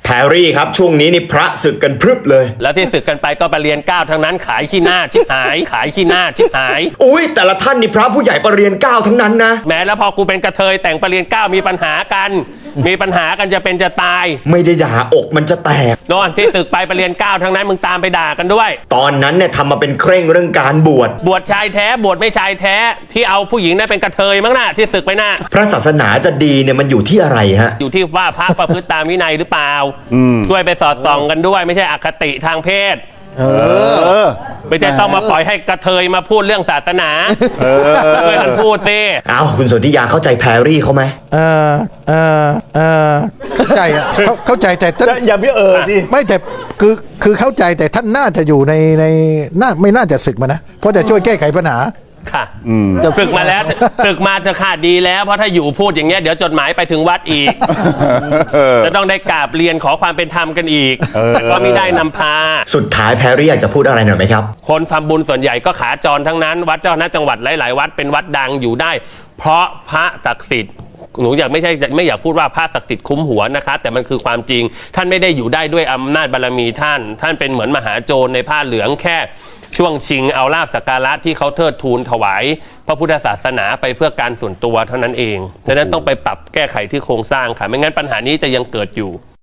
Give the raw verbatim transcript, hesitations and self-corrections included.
แพรรี่ครับช่วงนี้นี่พระศึกกันพรึบเลยแล้วที่ศึกกันไปก็ไปเรียนเก้าทั้งนั้นขายขี้หน้าชิบหายขายขี้หน้าชิบหายอุ้ยแต่ละท่านนี่พระผู้ใหญ่ประเรียนเก้าทั้งนั้นนะแม้แล้วพอกูเป็นกระเทยแต่งประเรียนเก้ามีปัญหากันมีปัญหากันจะเป็นจะตายไม่ได้ด่าอกมันจะแตกโน่นที่ตึกไปประเรียนเก้าทั้งนั้นมึงตามไปด่ากันด้วยตอนนั้นเนี่ยทำมาเป็นเคร่งเรื่องการบวชบวชชายแท้บวชไม่ชายแท้ที่เอาผู้หญิงนั่นเป็นกระเทยมั้งน่ะที่ตึกไปน่ะพระศาสนาจะดีเนี่ยมันอยู่ที่อะไรฮะอยู่ที่ว่าพระประพฤติตามวินัยหรือเปล่าช่วยไปสอดส่องกันด้วยไม่ใช่อคติทางเพศเออไม่ใช่ต้องมาปล่อยให้กระเทยมาพูดเรื่องศาสนาช่วยกันพูดสิอ้าวคุณสนธิยาเข้าใจแพรรี่เขาไหมเออเออเออเข้าใจอ่ะเขาเข้าใจแต่ท่านอย่าพี่เออสิไม่แต่คือคือเข้าใจแต่ท่านน่าจะอยู่ในในน่าไม่น่าจะศึกมานะเพราะจะช่วยแก้ไขปัญหาค่ะตึกมาแล้วตึกมาจะขาดดีแล้วเพราะถ้าอยู่พูดอย่างเงี้ยเดี๋ยวจดหมายไปถึงวัดอีกจะต้องได้กราบเรียนขอความเป็นธรรมกันอีกแต่ก็ไม่ได้นำพาสุดท้ายแพรรี่อยากจะพูดอะไรหน่อยไหมครับคนทำบุญส่วนใหญ่ก็ขาจรทั้งนั้นวัดเจ้าคณะจังหวัดหลายๆวัดเป็นวัดดังอยู่ได้ เพราะพระศักดิ์สิทธิ์หนูอยากไม่ใช่ไม่อยากพูดว่าพระศักดิ์สิทธิ์คุ้มหัวนะคะแต่มันคือความจริงท่านไม่ได้อยู่ได้ด้วยอำนาจบารมีท่านท่านเป็นเหมือนมหาโจรในผ้าเหลืองแค่ช่วงชิงเอาลาภสักการะที่เขาเทิดทูนถวายพระพุทธศาสนาไปเพื่อการส่วนตัวเท่านั้นเองดังนั้นต้องไปปรับแก้ไขที่โครงสร้างค่ะไม่งั้นปัญหานี้จะยังเกิดอยู่